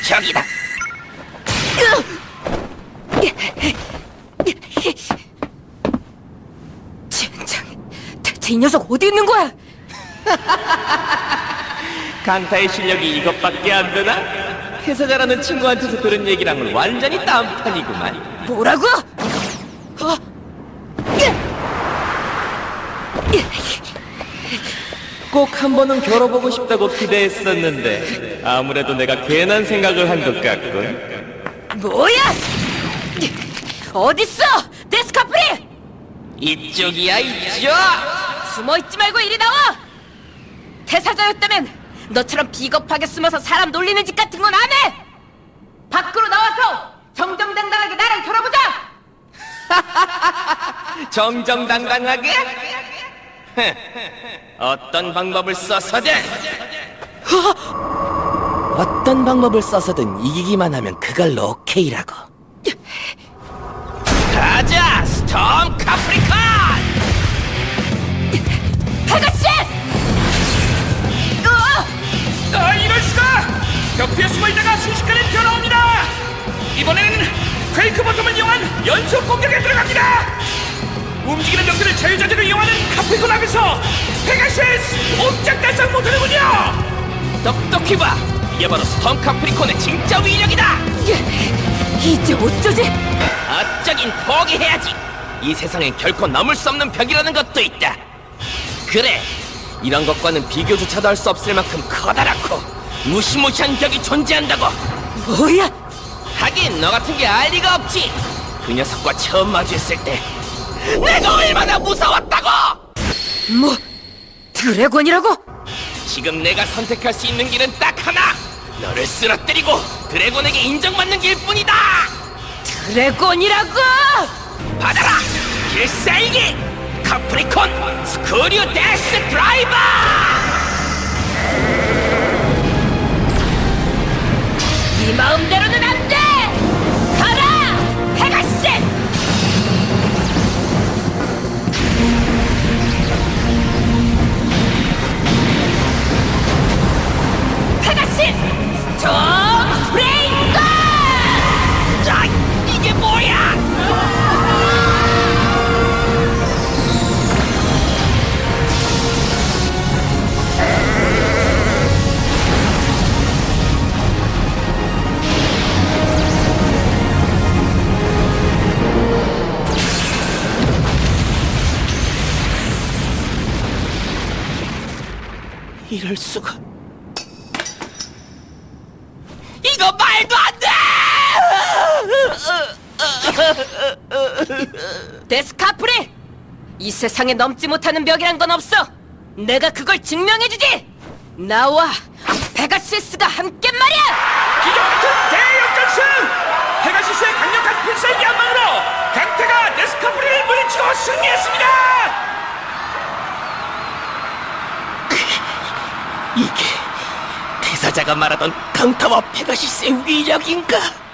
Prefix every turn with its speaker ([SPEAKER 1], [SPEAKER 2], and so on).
[SPEAKER 1] 저기다.
[SPEAKER 2] 젠장, 대체 이 녀석 어디 있는 거야?
[SPEAKER 1] 강타의 실력이 이것밖에 안 되나? 회사 잘하는 친구한테서 들은 얘기랑은 완전히 딴판이구만.
[SPEAKER 2] 뭐라고?
[SPEAKER 1] 꼭 한 번은 겨뤄보고 싶다고 기대했었는데 아무래도 내가 괜한 생각을 한 것 같군.
[SPEAKER 2] 뭐야? 어딨어? 데스카프리!
[SPEAKER 1] 이쪽이야, 이쪽!
[SPEAKER 2] 숨어있지 말고 이리 나와! 태사자였다면 너처럼 비겁하게 숨어서 사람 놀리는 짓 같은 건 안 해! 밖으로 나와서 정정당당하게 나랑 결혼보자!
[SPEAKER 1] 정정당당하게? 어떤 방법을 써서든 어떤 방법을 써서든 이기기만 하면 그걸로 오케이라고. 가자, 스톰 카프리콘!
[SPEAKER 2] 페가시스!
[SPEAKER 3] 이럴 수가! 벽 뒤에 숨어있다가 순식간에 튀어나옵니다! 이번에는 퀘이크 버텀을 이용한 연속 공격에 들어갑니다! 움직이는 벽들을 자유자재로 이용하는 카프리콘 앞에서 페가시스! 옴짝달싹 못하는군요!
[SPEAKER 1] 똑똑히 봐! 이게 바로 스톰 카프리콘의 진짜 위력이다!
[SPEAKER 2] 이제 어쩌지?
[SPEAKER 1] 어쩌긴 포기해야지! 이 세상엔 결코 넘을 수 없는 벽이라는 것도 있다! 그래! 이런 것과는 비교조차도 할 수 없을 만큼 커다랗고 무시무시한 벽이 존재한다고!
[SPEAKER 2] 뭐야?
[SPEAKER 1] 하긴 너 같은 게 알 리가 없지! 그 녀석과 처음 마주했을 때 내가 얼마나 무서웠다고!
[SPEAKER 2] 뭐? 드래곤이라고?
[SPEAKER 1] 지금 내가 선택할 수 있는 길은 딱 하나! 너를 쓰러뜨리고 드래곤에게 인정받는 길뿐이다!
[SPEAKER 2] 드래곤이라고!
[SPEAKER 1] 받아라! 필살기! 카프리콘 스크류 데스 드라이버!
[SPEAKER 2] 네 마음대로는 안 돼! 가라! 페가시스! 페가시스! 스톰 브레이커!
[SPEAKER 1] 자, 이게 뭐야! 이럴 수가. 이거 말도 안 돼!
[SPEAKER 2] 데스카프리! 이 세상에 넘지 못하는 벽이란 건 없어! 내가 그걸 증명해주지! 나와 페가시스가 함께 말이야!
[SPEAKER 3] 기적 같은 대역전승! 페가시스의 강력한 필살기 한 방으로 강태가 데스카프리를 물리치고 승리했습니다!
[SPEAKER 1] 이게 대사자가 말하던 강타와 페가시스의 위력인가?